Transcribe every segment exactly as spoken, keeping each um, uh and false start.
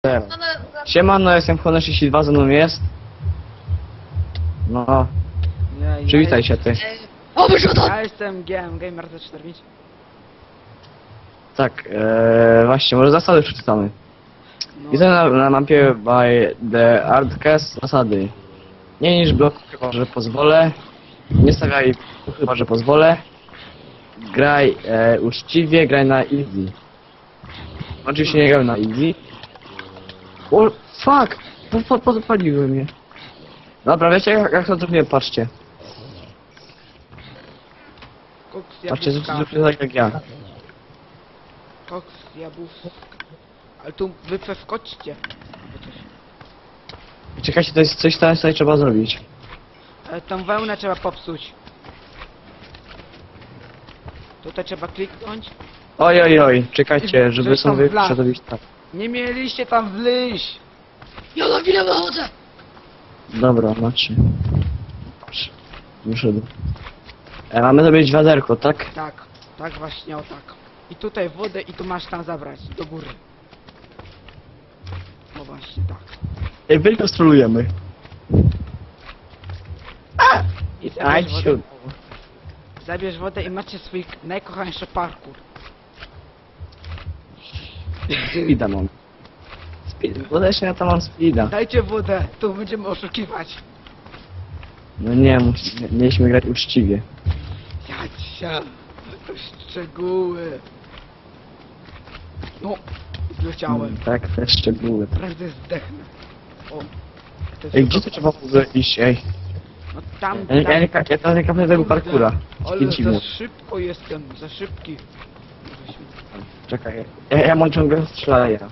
Zero. Siemano, jestem Honor trzydzieści dwa, ze mną jest. No, Ja, przywitaj ja, się ty. O, wyrzuta! Ja jestem G M, Gamer Z cztery pięć. Tak, ee, właśnie, może zasady przeczytamy. No, Widzę na, na mapie by the Artcast zasady. Nie niż blok, chyba że pozwolę. Nie stawiaj, chyba że pozwolę. Graj e, uczciwie, graj na easy. Oczywiście nie grałem na easy. O, fuck! Po, po, podpaliły mnie. Dobra, wiecie jak, jak to zrobiłem? Patrzcie. koks Patrzcie, jabłuszka. zróbcie tak jak ja. Koks jabłuszka. Ale tu wy wskoczcie. Albo coś. Czekajcie, to jest coś tam tutaj trzeba zrobić. Ale tą wełnę trzeba popsuć. Tutaj trzeba kliknąć. Oj, oj, oj, czekajcie, żeby Żeś tam sobie wlazł. przerobić tak. Nie mieliście tam wleźć. Ja na chwilę wychodzę! Dobra, macie. Patrz, wyszedł. E, mamy zrobić wiaderko, tak? Tak, tak właśnie, o tak. I tutaj wodę i tu masz tam zabrać, do góry. No właśnie, tak. Ej, wielko strolujemy. I Aj, zabierz wodę, siód. zabierz wodę i macie swój najkochańszy parkour. Speeda mam. Speed, bodecznie ja tam mam speeda. Dajcie wodę, tu będziemy oszukiwać. No nie, mus- nie, mieliśmy grać uczciwie. Jacia, to szczegóły. No, zleciałem. Tak, te szczegóły. Prędzej zdechnę. O. to jest Ej, gdzie to tylko- trzeba w ogóle iść, ej? No tam, Ja, nie- tam. ja, nie, ka- ja tam nie kapię tego parkura. Ale Spięci za mu. szybko jestem, za szybki. Czekaj, ja, ja mam ciągle strzelaja.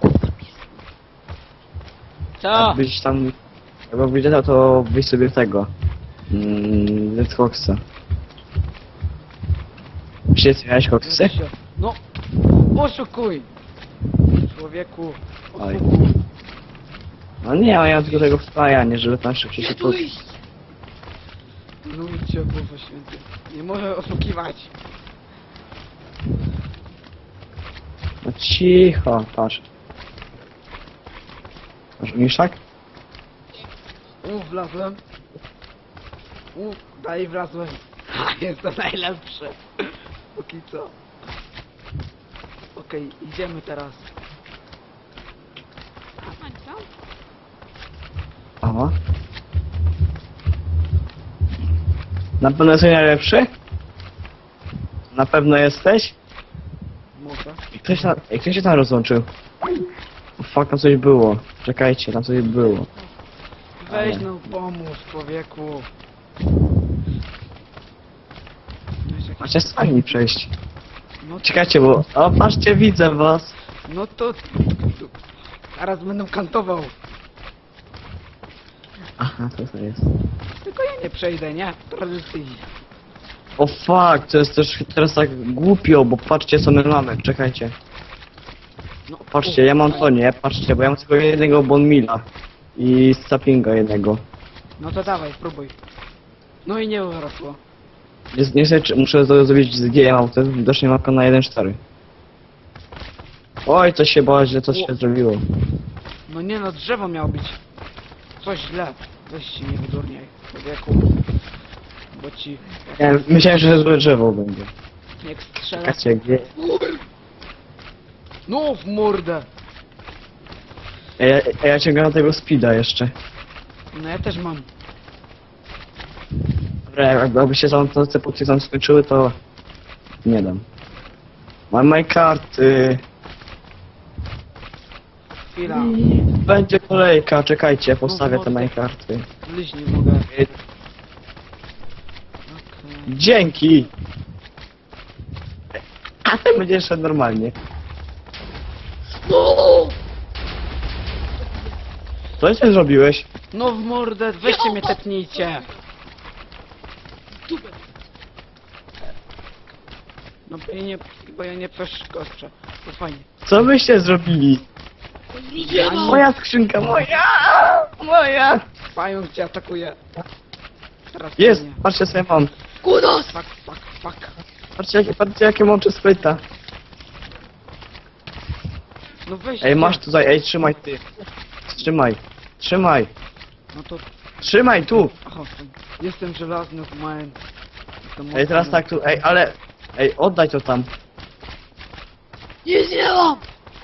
Co? Jakbyś tam... Jakbyś wiedział, to wyjść sobie tego. Mmm, z Coxa. Gdzie miałeś koksy? No, oszukuj! Człowieku, Oj. oszukuj. No nie, ja mam tylko tego wpajanie, żeby tam szybciej się Gdzie pod... tu iść? Ludzie, Boże Święty. Nie może oszukiwać. No cicho, patrz. Masz miszak? U, wlazłem. U, dalej wlazłem. Ha, jestem najlepszy. Póki co. Okej, idziemy teraz. Aha. Na pewno jesteś najlepszy? Na pewno jesteś? Może. I ktoś, na... I ktoś się tam rozłączył. O, fuck, tam coś było. Czekajcie, tam coś było. Weź Ale- no pomóż, człowieku. Weź jakiś- Macie sami przejść. No, Czekajcie, bo... O, patrzcie, widzę was. no to... Zaraz będę kantował. Aha, co to jest? Tylko ja nie przejdę, nie? Tradycyjnie. O fuck, to jest też teraz tak głupio, bo patrzcie co my mamy, czekajcie. No, Patrzcie, ja mam to nie, patrzcie, bo ja mam tylko jednego Bonmila. I Sapinga jednego. No to dawaj, próbuj. No i nie urosło. Nie, nie wiem, czy muszę to zrobić z G M, to jest widocznie mapka na jeden cztery. Oj, coś się bała, że coś się zrobiło. No nie no, drzewo miało być. Coś źle. Weź się nie wydurniaj, człowieku. Bo ci... Ja myślałem, że złe drzewo będzie. Jak strzela... Czekajcie, gdzie... No w mordę! Ja, ja, ja ciągnę tego speeda jeszcze. No ja też mam. Dobra, jakby się tam te punkty tam skończyły, to... Nie dam. Mam moje karty. Chwila. Będzie kolejka, czekajcie, postawię No, te no, moje to- karty. Liź nie mogę. Okej. Dzięki! A ten będzie szedł normalnie. No! Co ty zrobiłeś? No w mordę, weźcie mnie tepnijcie. Dupę. No bo ja nie, bo ja nie przeszkoczę. To fajnie. Co byście zrobili? Nie mam! Moja skrzynka, moja! Moja! Pająk cię atakuje. Teraz Jest, mnie. patrzcie sobie mam. Kudos! Fuck, fuck, fuck. Patrzcie jakie, patrzcie jakie mam spryta. No weź. Ej, masz tutaj, ej, trzymaj ty. Trzymaj. Trzymaj. No to... Trzymaj tu. Aha, jestem żelazny w małem. Jestem Ej, teraz mocny. tak tu, ej, ale... Ej, oddaj to tam. Nic nie mam!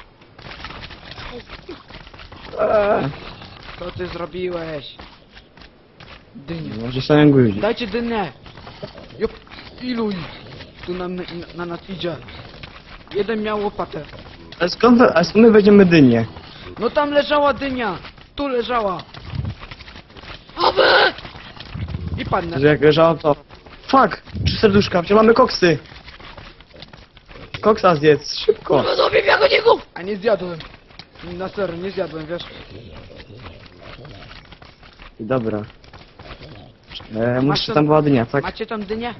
Eee. Co ty zrobiłeś? Dynia. Może samym guzik. Dajcie dynę! Jop, ilu ich tu na, na, na nas idzie? Jeden miał łopatę. Ale skąd, wy- a skąd my będziemy dynię? No tam leżała dynia! Tu leżała! Aby! I padnę. Że jak leżało to... Fuck! Trzy serduszka, przecież mamy koksy! Koksa zjedz, szybko! Kurwa, zrobię jako niego! A nie zjadłem. Na serio, nie zjadłem, wiesz? Dobra. E, Masz muszę tam- tam była dynia, tak? Macie tam dynię?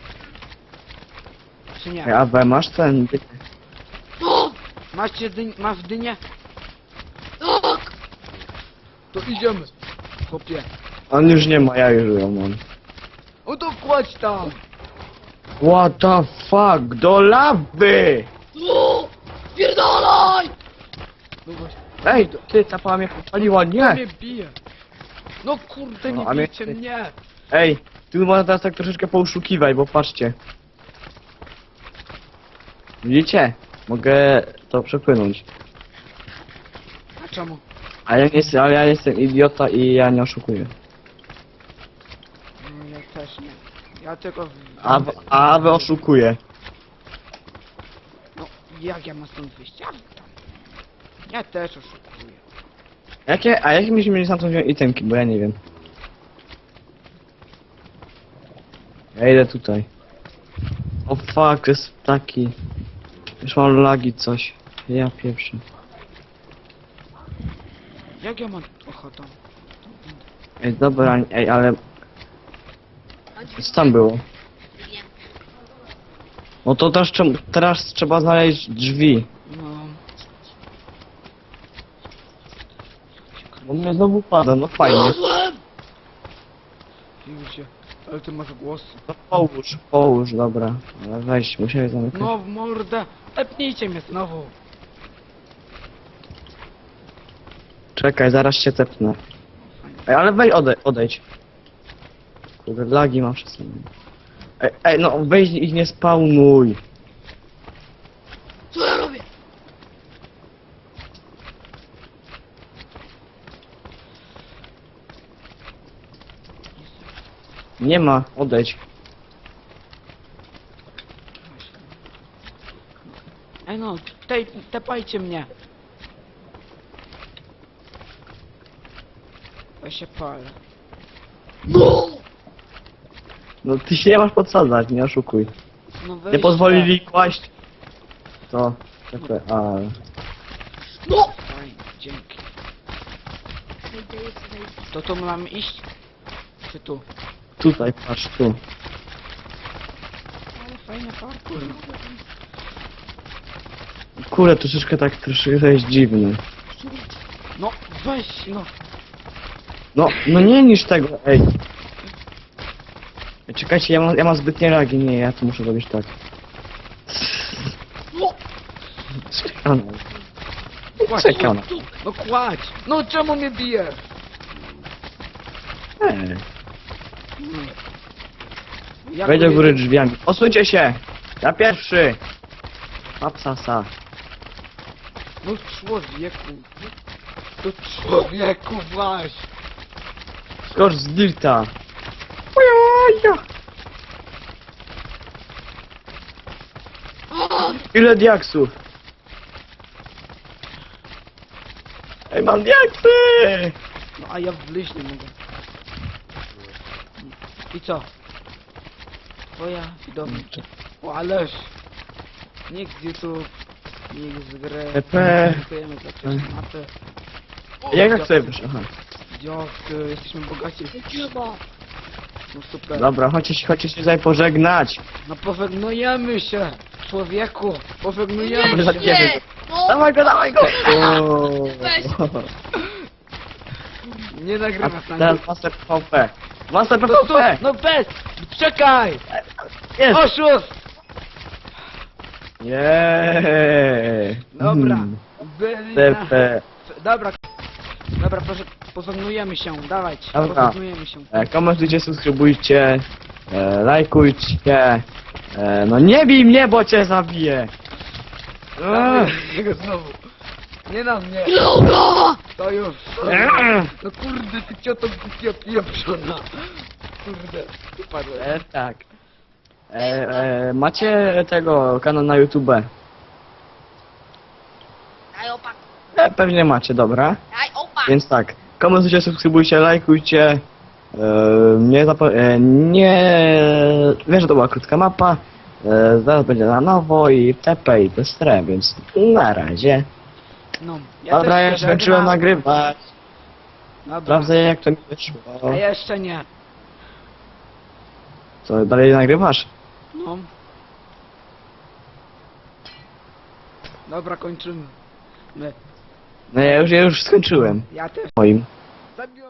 Czy nie? Ej, A we masz ten... No! Macie dyń, masz dynię? Tak! To idziemy. Chłopie. On już nie ma, ja już ją mam. O to kładź tam! What the fuck? Do lawy! No! Spierdalaj! No właśnie. Ej, ty, ta pała mnie popaliła, To nie! mnie bije. No kurde, No, nie a mnie- bijcie mnie! Ej, tu można teraz tak troszeczkę pouszukiwać, bo patrzcie. Widzicie? Mogę to przepłynąć. A czemu? A ja nie jestem, ale ja jestem idiota i ja nie oszukuję. Mm, Ja też nie. Ja tylko... w- A, w- a wy oszukuje. No, jak ja mam stąd wyjść? Ja, tam. ja też oszukuję. Jakie, a jakie myśmy mieli stamtąd wziąć itemki, bo ja nie wiem. Ja idę tutaj. O fuck, jest taki... Już mam lagi coś. Ja pierwszy. Jak ja mam... Oho, tam. Ej, dobra, ej, ale... Co tam było? No to teraz, trzeba- teraz trzeba znaleźć drzwi. No... Bo mnie znowu pada, no fajnie. Znalazłem! Widzicie, ale ty masz głos. No połóż, połóż, dobra. Ale weź, musiałem zamykać. No w mordę! Epnijcie mnie znowu! Czekaj, zaraz się tepnę. Ej, ale weź odej odejdź. Kurde, lagi mam wszystko. Ej, ej, no weź ich nie spawnuj. Co ja robię? Nie ma, odejdź. Ej no, tej, tepajcie mnie! Ja się palę. No! No ty się nie masz podsadzać, nie oszukuj. No Nie weźcie. pozwolili kłaść. To, czekaj, a... No! Fajnie, dzięki. To tu mamy iść? Czy tu? Tutaj, patrz, tu. Ale fajny parkour. Kurde, troszeczkę tak, troszeczkę to jest dziwny. No weź no! No, no nie niż tego, ej. Ej, czekajcie, ja mam, ja mam zbytnie lagi, nie, ja to muszę robić tak. No! Czekam. Kładź, Czekam. no kładź! No czemu mnie bijesz? Ej, Hmm. Jak wejdź do mnie- góry drzwiami. Osuńcie się! Ja pierwszy! Papsasa. No człowieku! To człowieku weź! Skocz z dirta. Ojaja. A! Ile diaksów? Ej, mam diaksy! No a ja wleźć nie mogę. I co? Twoja widownia. O ależ! Nikt z YouTube, nikt z gry. P P. Dziękujemy za prześmatę. Jak chcę wyjść? Aha. Dziękuję, jesteśmy bogaci. Nie ma! No super. Dobra, chodźcie się, chodźcie się tutaj pożegnać. No pożegnujemy się! Człowieku! Nie! Pożegnujemy za się! ciebie. Nie! No! Dawaj go, dawaj go! O. Weź. Nie A nagrywasz na teraz Master P V P. Master P No V to, P! no bez! Czekaj! Jest! Oszust! Jeee! Dobra. Mm. Byli T na... P. Dobra, dobra, proszę, pożegnujemy się, dawajcie, Dobra. pożegnujemy się. E, komentujcie, subskrybujcie, e, lajkujcie. E, no nie bij mnie, bo cię zabiję. Eee. Jego znowu. Nie na mnie, Droga! to już. Eee. No kurde, ty cioto głupia pieprzona. Kurde, upadłem. E, tak. E, e, macie tego kanał na YouTube? Daj opak, E, pewnie macie, dobra. daj opak! Więc tak, komentujcie, subskrybujcie, lajkujcie. E, nie zapo- e, nie... Wiem, że to była krótka mapa. E, zaraz będzie na nowo i T P i bez stre, więc na razie. No, ja Dobra, też ja się już skończyłem żegnam. nagrywać. Dobra, Sprawdzę jak to mi wyszło. a jeszcze nie. Co, dalej nagrywasz? No. Dobra, kończymy. My. No ja już, ja już skończyłem. Ja też. Moim. Zabiłem.